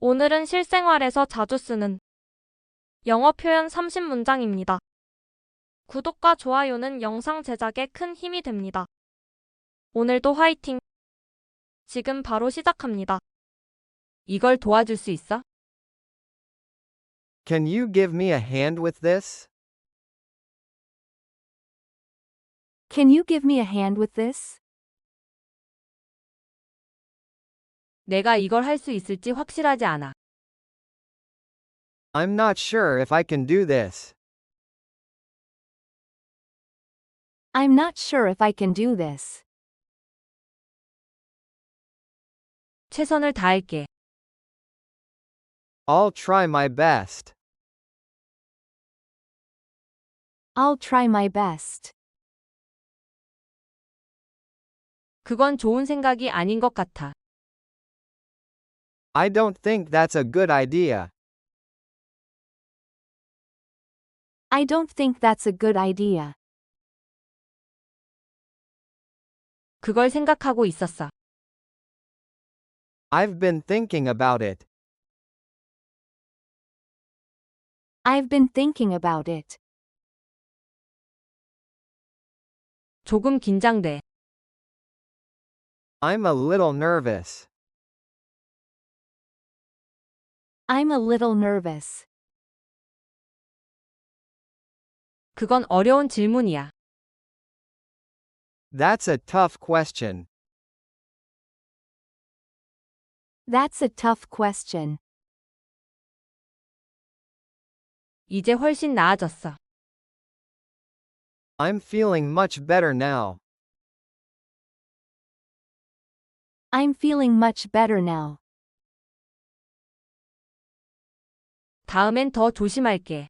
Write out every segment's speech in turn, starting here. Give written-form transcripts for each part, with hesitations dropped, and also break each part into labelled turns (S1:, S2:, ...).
S1: 오늘은 실생활에서 자주 쓰는 영어 표현 30문장입니다. 구독과 좋아요는 영상 제작에 큰 힘이 됩니다. 오늘도 화이팅! 지금 바로 시작합니다. 이걸 도와줄 수 있어?
S2: Can you give me a hand with this?
S3: Can you give me a hand with this?
S1: 내가 이걸 할 수 있을지 확실하지 않아.
S2: I'm not sure if I can do this.
S3: I'm not sure if I can do this.
S1: 최선을 다할게.
S2: I'll try my best.
S3: I'll try my best.
S1: 그건 좋은 생각이 아닌 것 같아.
S2: I don't think that's a good idea.
S3: I don't think that's a good idea.
S1: 그걸 생각하고 있었어.
S2: I've been thinking about it.
S3: I've been thinking about it.
S1: 조금 긴장돼.
S2: I'm a little nervous.
S3: I'm a little nervous.
S1: 그건 어려운 질문이야.
S2: That's a tough question.
S3: That's a tough question.
S1: 이제 훨씬 나아졌어.
S2: I'm feeling much better now.
S3: I'm feeling much better now.
S1: 다음엔 더 조심할게.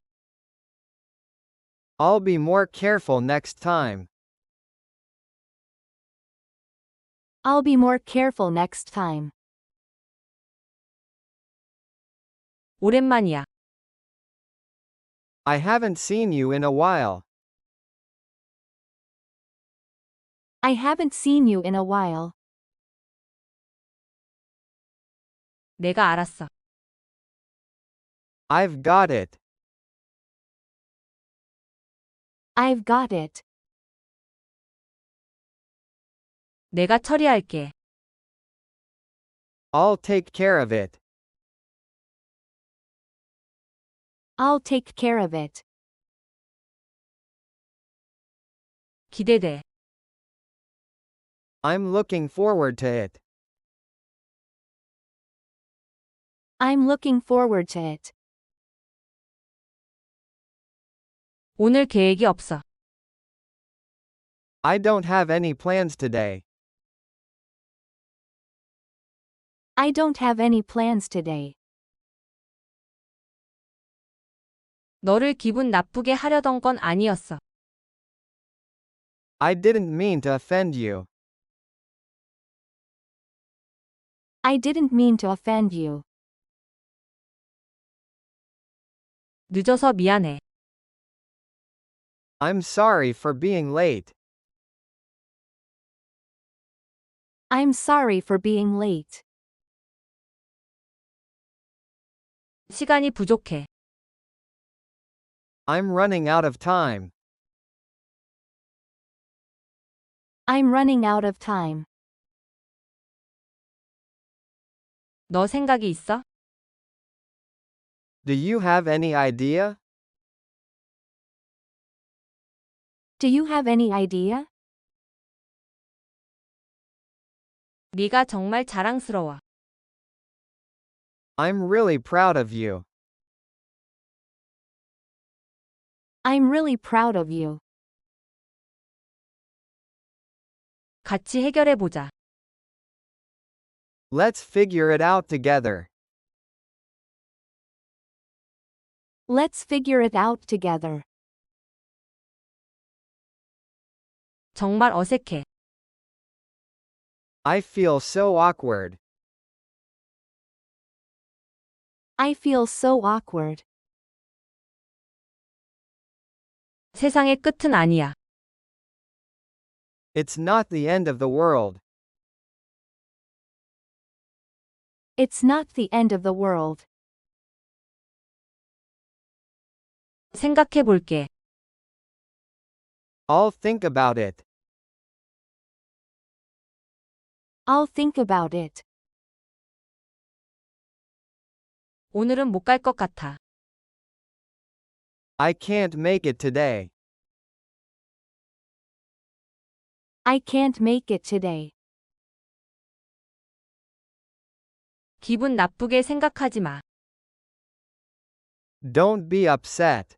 S2: I'll be more careful next time.
S3: I'll be more careful next time.
S1: 오랜만이야.
S2: I haven't seen you in a while.
S3: I haven't seen you in a while.
S1: 내가 알았어.
S2: I've got it.
S3: I've got it.
S1: 내가 처리할게.
S2: I'll take care of it.
S3: I'll take care of it.
S1: 기대돼.
S2: I'm looking forward to it.
S3: I'm looking forward to it.
S1: 오늘 계획이 없어.
S2: I don't have any plans today.
S3: I don't have any plans today.
S1: 너를 기분 나쁘게 하려던 건 아니었어.
S2: I didn't mean to offend you.
S3: I didn't mean to offend you.
S1: 늦어서 미안해.
S2: I'm sorry for being late.
S3: I'm sorry for being late.
S1: 시간이 부족해.
S2: I'm running out of time.
S3: I'm running out of time.
S1: 너 생각이 있어?
S2: Do you have any idea?
S3: Do you have any idea?
S1: 네가 정말 자랑스러워.
S2: I'm really proud of you.
S3: I'm really proud of you.
S1: 같이 해결해보자.
S2: Let's figure it out together.
S3: Let's figure it out together.
S1: 정말 어색해.
S2: I feel so awkward.
S3: I feel so awkward.
S1: 세상의 끝은 아니야.
S2: It's not the end of the world.
S3: It's not the end of the world.
S1: 생각해 볼게.
S2: I'll think about it.
S3: I'll think about it.
S1: 오늘은 못 갈 것 같아.
S2: I can't make it today.
S3: I can't make it today.
S1: 기분 나쁘게 생각하지 마.
S2: Don't be upset.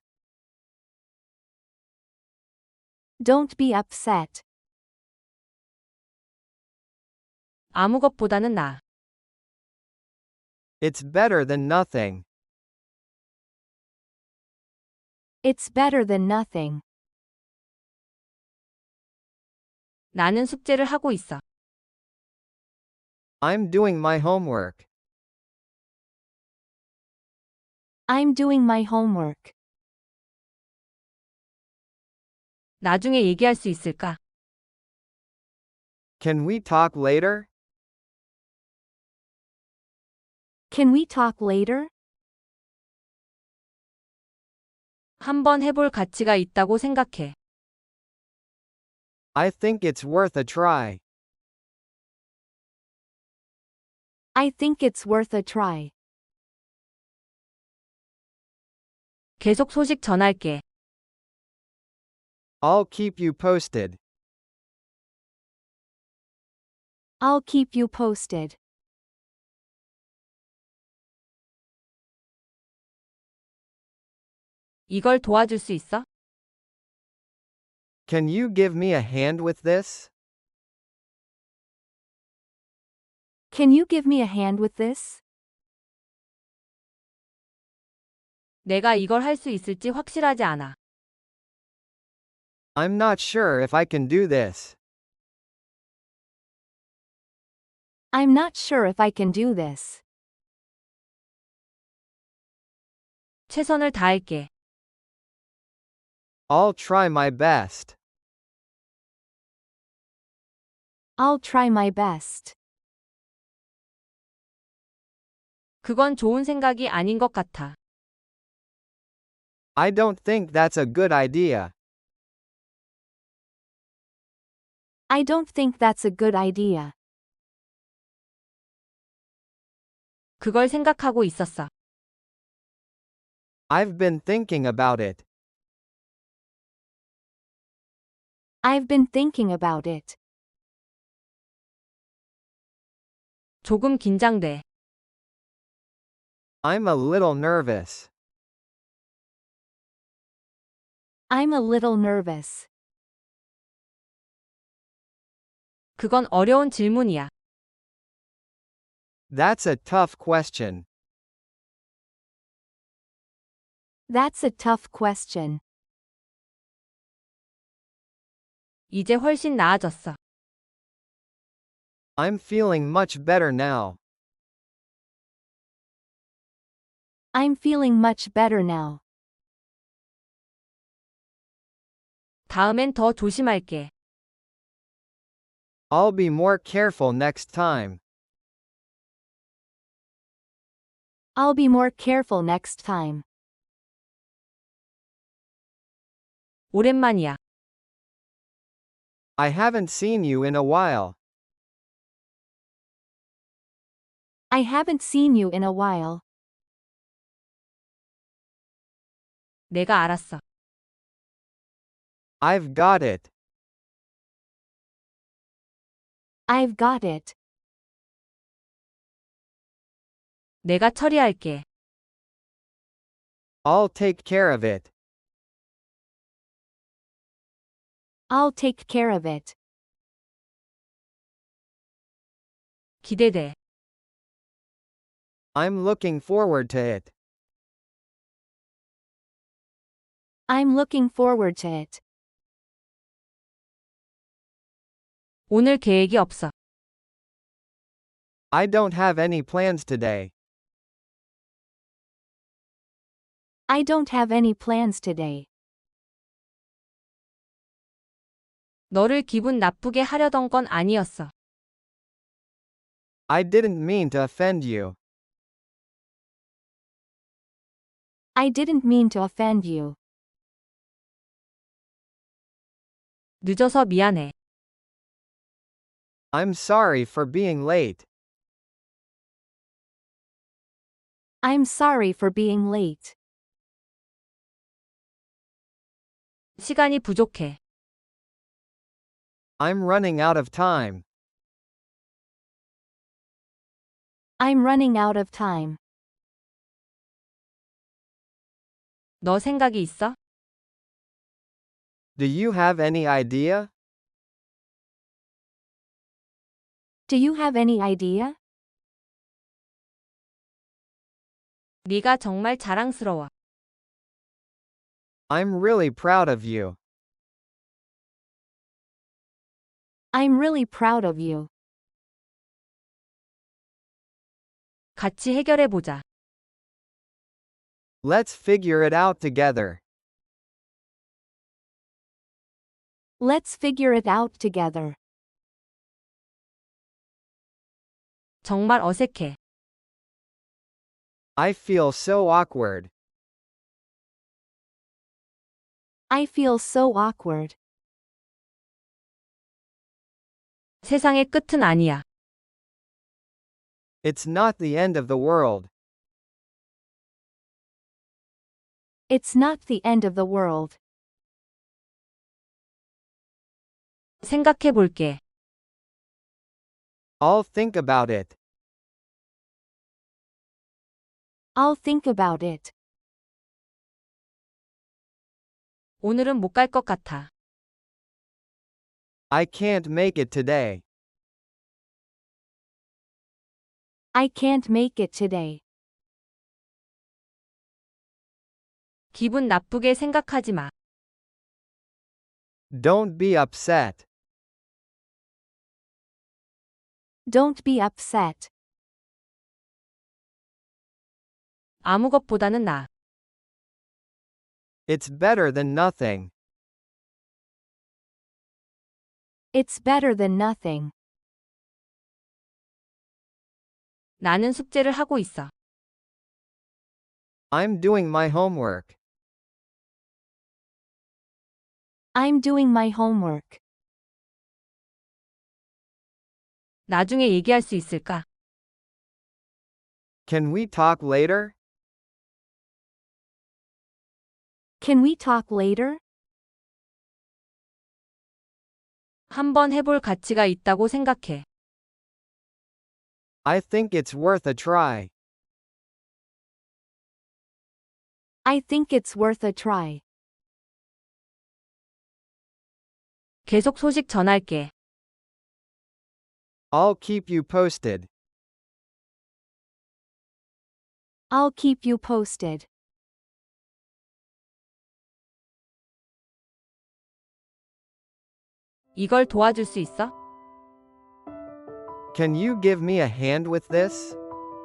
S3: Don't be upset.
S1: 아무 것보다는 나아.
S2: It's better than nothing.
S3: It's better than nothing.
S1: 나는 숙제를 하고 있어.
S2: I'm doing my homework.
S3: I'm doing my homework.
S1: 나중에 얘기할 수 있을까?
S2: Can we talk later?
S3: Can we talk later?
S1: 한번 해볼 가치가 있다고 생각해.
S2: I think it's worth a try.
S3: I think it's worth a try.
S1: 계속 소식 전할게.
S2: I'll keep you posted.
S3: I'll keep you posted.
S1: 이걸 도와줄 수 있어?
S2: Can you give me a hand with this?
S3: Can you give me a hand with this?
S1: 내가 이걸 할 수 있을지 확실하지 않아.
S2: I'm not sure if I can do this.
S3: I'm not sure if I can do this.
S1: 최선을 다할게.
S2: I'll try my best.
S3: I'll try my best.
S1: 그건 좋은 생각이 아닌 것 같아.
S2: I don't think that's a good idea.
S3: I don't think that's a good idea.
S1: 그걸 생각하고 있었어.
S2: I've been thinking about it.
S3: I've been thinking about it.
S1: 조금 긴장돼.
S2: I'm a little nervous.
S3: I'm a little nervous.
S1: 그건 어려운 질문이야.
S2: That's a tough question.
S3: That's a tough question.
S1: 이제 훨씬 나아졌어.
S2: I'm feeling much better now.
S3: I'm feeling much better now.
S1: 다음엔 더 조심할게.
S2: I'll be more careful next time.
S3: I'll be more careful next time.
S1: 오랜만이야.
S2: I haven't seen you in a while.
S3: I haven't seen you in a while.
S1: 내가 알았어.
S2: I've got it.
S3: I've got it.
S1: 내가 처리할게.
S2: I'll take care of it.
S3: I'll take care of it.
S1: 기대돼.
S2: I'm looking forward to it.
S3: I'm looking forward to it.
S1: 오늘 계획이 없어.
S2: I don't have any plans today.
S3: I don't have any plans today.
S1: 너를 기분 나쁘게 하려던 건 아니었어.
S2: I didn't mean to offend you.
S3: I didn't mean to offend you.
S1: 늦어서 미안해.
S2: I'm sorry for being late.
S3: I'm sorry for being late.
S1: 시간이 부족해.
S2: I'm running out of time.
S3: I'm running out of time.
S1: 너 생각이 있어?
S2: Do you have any idea?
S3: Do you have any idea?
S1: 네가 정말 자랑스러워.
S2: I'm really proud of you.
S3: I'm really proud of you.
S1: 같이 해결해 보자.
S2: Let's figure it out together.
S3: Let's figure it out together.
S1: 정말 어색해.
S2: I feel so awkward.
S3: I feel so awkward.
S1: 세상의 끝은 아니야.
S2: It's not the end of the world.
S3: It's not the end of the world.
S1: 생각해 볼게.
S2: I'll think about it.
S3: I'll think about it.
S1: 오늘은 못 갈 것 같아.
S2: I can't make it today.
S3: I can't make it today.
S1: 기분 나쁘게 생각하지 마.
S2: Don't be upset.
S3: Don't be upset.
S1: 아무 것보다는 나.
S2: It's better than nothing.
S3: It's better than nothing.
S1: 나는 숙제를 하고 있어.
S2: I'm doing my homework.
S3: I'm doing my homework.
S1: 나중에 얘기할 수 있을까?
S2: Can we talk later?
S3: Can we talk later?
S1: 한번 해볼 가치가 있다고 생각해.
S2: I think it's worth a try.
S3: I think it's worth a try.
S1: 계속 소식 전할게.
S2: I'll keep you posted.
S3: I'll keep you posted.
S1: 이걸 도와줄 수 있어?
S2: Can you give me a hand with this?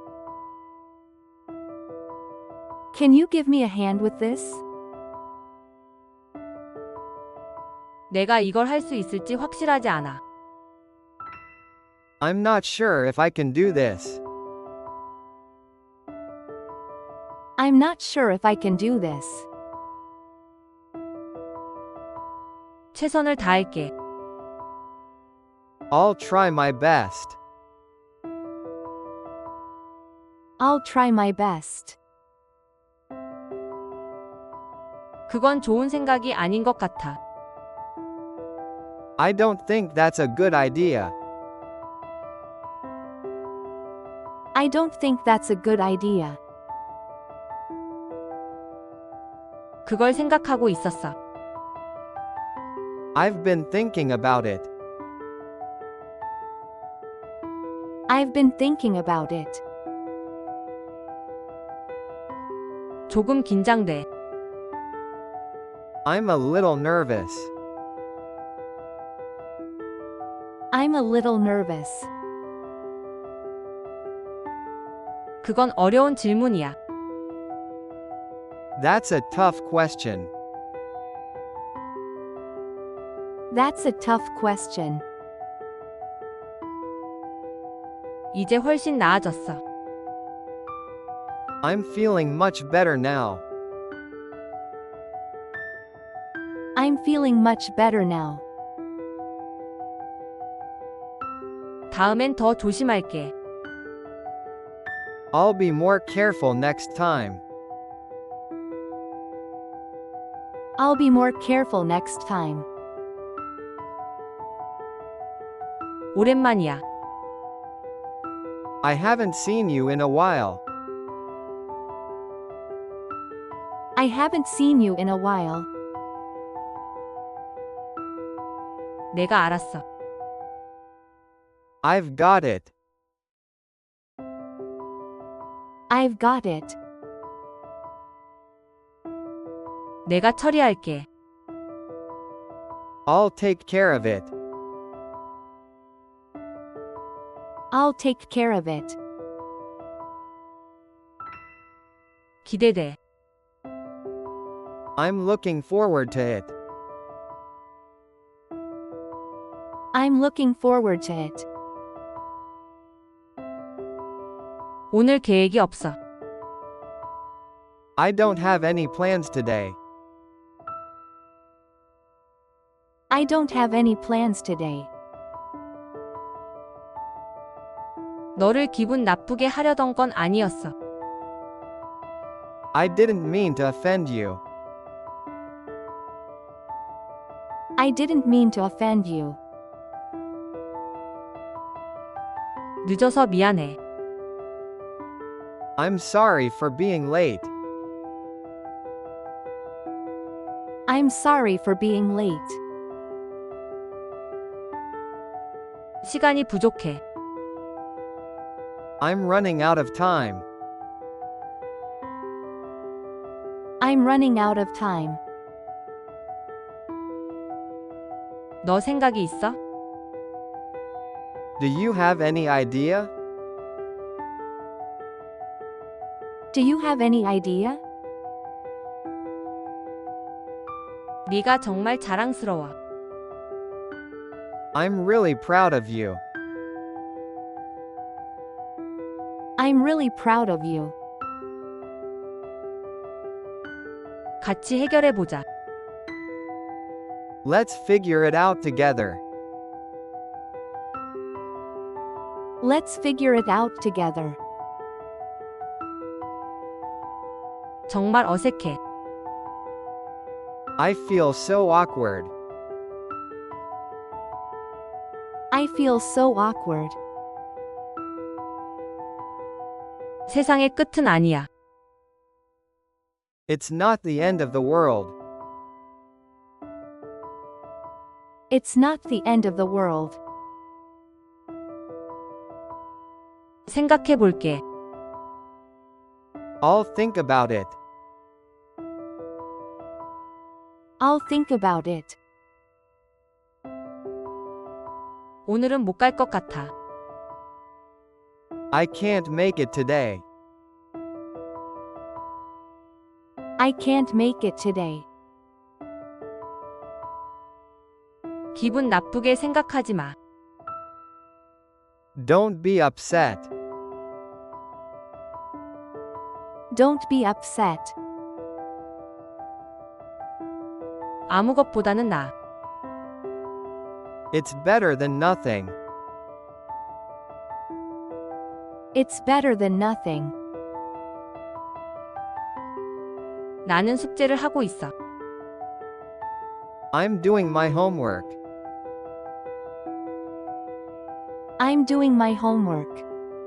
S3: Can you give me a hand with this?
S1: 내가 이걸 할 수 있을지 확실하지 않아.
S2: I'm not sure if I can do this.
S3: I'm not sure if I can do this.
S1: 최선을 다할게.
S2: I'll try my best.
S3: I'll try my best.
S1: 그건 좋은 생각이 아닌 것 같아.
S2: I don't think that's a good idea.
S3: I don't think that's a good idea.
S1: 그걸 생각하고 있었어.
S2: I've been thinking about it.
S3: I've been thinking about it.
S1: 조금 긴장돼.
S2: I'm a little nervous.
S3: I'm a little nervous.
S1: 그건 어려운 질문이야.
S2: That's a tough question.
S3: That's a tough question.
S1: 이제 훨씬 나아졌어.
S2: I'm feeling much better now.
S3: I'm feeling much better now.
S1: 다음엔 더 조심할게.
S2: I'll be more careful next time.
S3: I'll be more careful next time.
S1: 오랜만이야.
S2: I haven't seen you in a while.
S3: I haven't seen you in a while.
S1: 내가 알았어.
S2: I've got it.
S3: I've got it.
S1: 내가 처리할게.
S2: I'll take care of it.
S3: I'll take care of it.
S1: 기대돼.
S2: I'm looking forward to it.
S3: I'm looking forward to it.
S1: 오늘 계획이 없어.
S2: I don't have any plans today.
S3: I don't have any plans today.
S1: 너를 기분 나쁘게 하려던 건 아니었어.
S2: I didn't mean to offend you.
S3: I didn't mean to offend you.
S1: 늦어서 미안해.
S2: I'm sorry for being late.
S3: I'm sorry for being late.
S1: 시간이 부족해.
S2: I'm running out of time.
S3: I'm running out of time.
S1: 너 생각이 있어?
S2: Do you have any idea?
S3: Do you have any idea?
S1: 네가 정말 자랑스러워.
S2: I'm really proud of you.
S3: I'm really proud of you.
S1: 같이 해결해보자.
S2: Let's figure it out together.
S3: Let's figure it out together.
S1: 정말 어색해.
S2: I feel so awkward.
S3: I feel so awkward.
S1: 세상의 끝은 아니야.
S2: It's not the end of the world.
S3: It's not the end of the world.
S1: 생각해볼게.
S2: I'll think about it.
S3: I'll think about it.
S1: 오늘은 못 갈 것 같아.
S2: I can't make it today.
S3: I can't make it today.
S1: 기분 나쁘게 생각하지 마.
S2: Don't be upset.
S3: Don't be upset.
S1: 아무것보다는 나.
S2: It's better than nothing.
S3: It's better than nothing.
S1: 나는 숙제를 하고 있어.
S2: I'm doing my homework.
S3: I'm doing my homework.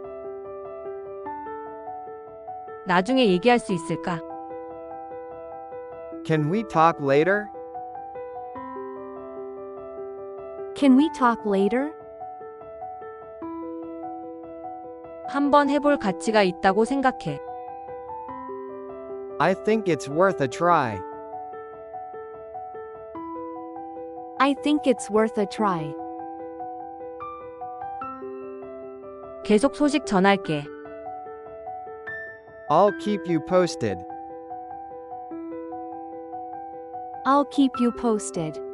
S1: 나중에 얘기할 수 있을까?
S2: Can we talk later?
S3: Can we talk later?
S1: 한번 해볼 가치가 있다고 생각해.
S2: I think it's worth a try.
S3: I think it's worth a try.
S1: 계속 소식 전할게.
S2: I'll keep you posted.
S3: I'll keep you posted.